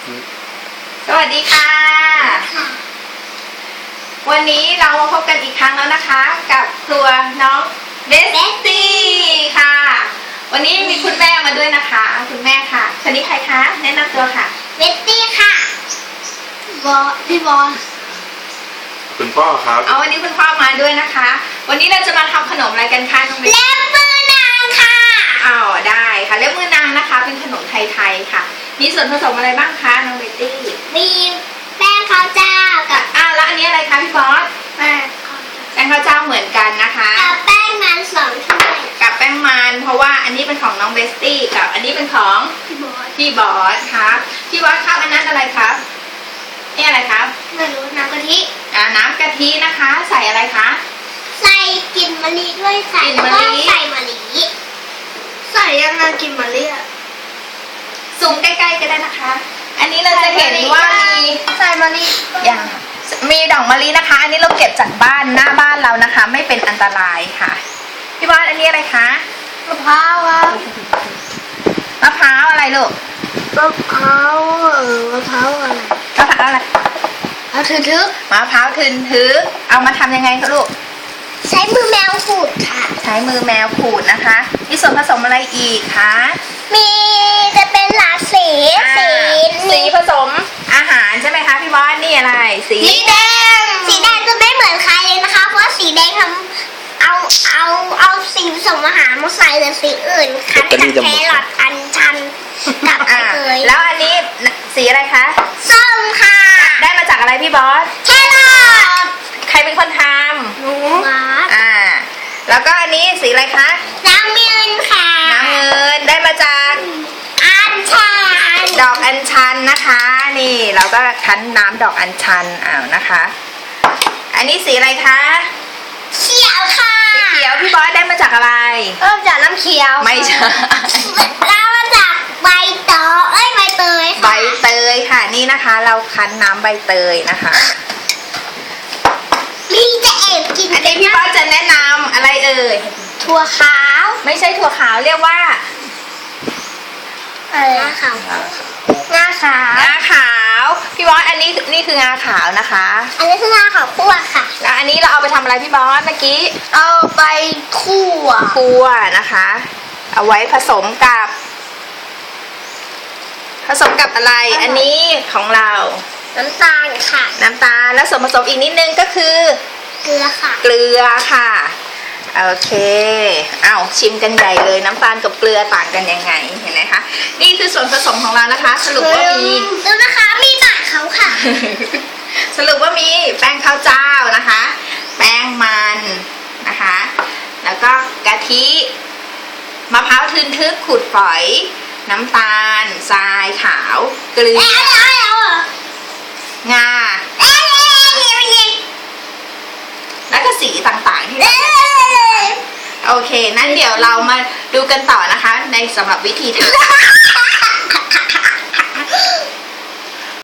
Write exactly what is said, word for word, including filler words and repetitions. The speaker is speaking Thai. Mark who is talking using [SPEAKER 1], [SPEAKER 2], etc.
[SPEAKER 1] สวัสดีค่ะวันนี้เรามาพบกันอีกครั้งแล้วนะคะกับครัวน้องเบสตี้ค่ะวันนี้มีคุณแม่มาด้วยนะคะคุณแม่ค่ะคนนี้ใครคะแนะนำตัวค่ะ
[SPEAKER 2] เบสตี้ค่ะบอพี่บอส
[SPEAKER 3] คุณพ่อครับ
[SPEAKER 1] เอาวันนี้คุณพ่อมาด้วยนะคะวันนี้เราจะมาทำขนมอะไรกันคะน้องเบส
[SPEAKER 2] เล็บมือนางค่ะ
[SPEAKER 1] อ๋อได้ค่ะเล็บมือนางนะคะเป็นขนมไทยๆค่ะมีส่วนผสมอะไรบ้างคะน้องเบสตี้
[SPEAKER 2] มีแป้งข้าวเจ้ากับ
[SPEAKER 1] อ้าวแล้วอันนี้อะไรคะพี่บอส
[SPEAKER 2] แป้ง
[SPEAKER 1] แป้งข้าวเจ้าเหมือนกันนะคะ
[SPEAKER 2] กับแป้งมันสองถ้วย
[SPEAKER 1] กับแป้งมันเพราะว่าอันนี้เป็นของน้องเบสตี้กับอันนี้เป็นของ
[SPEAKER 2] พี่บอส
[SPEAKER 1] พี่บอสครับพี่บอสครับอันนั้นอะไรครับนี่อะไรครับ
[SPEAKER 2] ไม่รู้น้ำกะทิ
[SPEAKER 1] อ่าน้ำกะทินะคะใส่อะไรคะ
[SPEAKER 2] ใส่กลิ่นมะลิด้วยใส่
[SPEAKER 1] มะลิ
[SPEAKER 2] ใส่มะลิใส่ยังไงกลิ่นมะลิอะ
[SPEAKER 1] ซูมใกล้ๆก็ได้นะคะอันนี้เราจะเห็นว่ามี
[SPEAKER 2] ใส่มะลิ
[SPEAKER 1] อย่างมีดอกมะลินะคะอันนี้เราเก็บจากบ้านหน้าบ้านเรานะคะไม่เป็นอันตรายค่ะพี่บอสอันนี้อะไรคะ
[SPEAKER 2] มะพร้าวครับ
[SPEAKER 1] มะพร้าวอะไรลูก
[SPEAKER 2] มะพร้าวเออมะพร้าวอะไร
[SPEAKER 1] มะพร้าวอะไร
[SPEAKER 2] เอาถือถือ
[SPEAKER 1] มะพร้าวทึนทึกเอามาทำยังไงคะลูก
[SPEAKER 2] ใช้มือแมวขูดค่ะ
[SPEAKER 1] ใช้มือแมวขูดนะคะมีส่วนผสมอะไรอีกคะ
[SPEAKER 2] มีจะเป็นหลากสีสี
[SPEAKER 1] สีผสมอาหารใช่ไหมคะพี่บอสนี่อะไรสี
[SPEAKER 2] แดงสีแดงจะไม่เหมือนใครเลยนะคะเพราะสีแดงทำเอาเอาเอาสีผสมอาหารมาใส่แต่สีอื่นคั้นจากแครอทอัญชันกับอะไร
[SPEAKER 1] แล้วอันนี้สีอะไรคะ
[SPEAKER 2] ส้มค่ะ
[SPEAKER 1] ได้มาจากอะไรพี่บอส
[SPEAKER 2] แครอท
[SPEAKER 1] ใครเป็นคนทำ
[SPEAKER 2] หนู
[SPEAKER 1] อ่าแล้วก็อันนี้สีอะไรคะ
[SPEAKER 2] น้ำเงินค่ะ
[SPEAKER 1] น้ำเงินได้มาจาก
[SPEAKER 2] อัญชัน
[SPEAKER 1] ดอกอัญชันนะคะนี่เราก็คั้นน้ำดอกอัญชันอ้าวนะคะอันนี้สีอะไรคะ
[SPEAKER 2] เขียวค่ะ
[SPEAKER 1] สีเขียวพี่บอสได้มาจากอะไร
[SPEAKER 2] เริ่มจากน้ำเขียว
[SPEAKER 1] ไม่ใช่
[SPEAKER 2] แล้วมาจากใบตอเอ้ยใบเตย
[SPEAKER 1] ค่ะใบเตยค่ะนี่นะคะเราคั้นน้ำใบเตยนะคะ
[SPEAKER 2] มีจะเอบกิน
[SPEAKER 1] อันนี้พี่บอสจะแนะนำอะไรเอ่ย
[SPEAKER 2] ถั่วขาว
[SPEAKER 1] ไม่ใช่ถั่วขาวเรียกว่า
[SPEAKER 2] อะไรงาขาวงาขาว
[SPEAKER 1] งาขาวพี่บอสอันนี้นี่คืองาขาวนะคะ
[SPEAKER 2] อันนี้คืองาขาวคั่วค่ะ
[SPEAKER 1] แล้วอันนี้เราเอาไปทำอะไรพี่บอสเมื่อกี้
[SPEAKER 2] เอาไปคั่ว
[SPEAKER 1] คั่วนะคะเอาไว้ผสมกับผสมกับอะไรอันนี้ของเรา
[SPEAKER 2] น้ำตาลค่ะ
[SPEAKER 1] น้ำตาลแล้วส่วนผสมอีกนิดนึงก็คือ
[SPEAKER 2] เกลือค่ะ
[SPEAKER 1] เกลือค่ะโอเคเอาชิมกันใหญ่เลยน้ำตาลกับเกลือต่างกันยังไงเห็นไหมคะนี่คือส่วนผสมของเรานะคะสรุปว่ามี
[SPEAKER 2] ดูนะคะมีหมากเขาค่ะ
[SPEAKER 1] สรุปว่ามีแป้งข้าวเจ้านะคะแป้งมันนะคะแล้วก็กะทิมะพร้าวทึนทึกขูดฝอยน้ำตาลทรายขาวเกลืองาแล้วก็สีต่างๆที่เราโอเคนั้นเดี๋ยวเรามาดูกันต่อนะคะในสำหรับวิธีทำ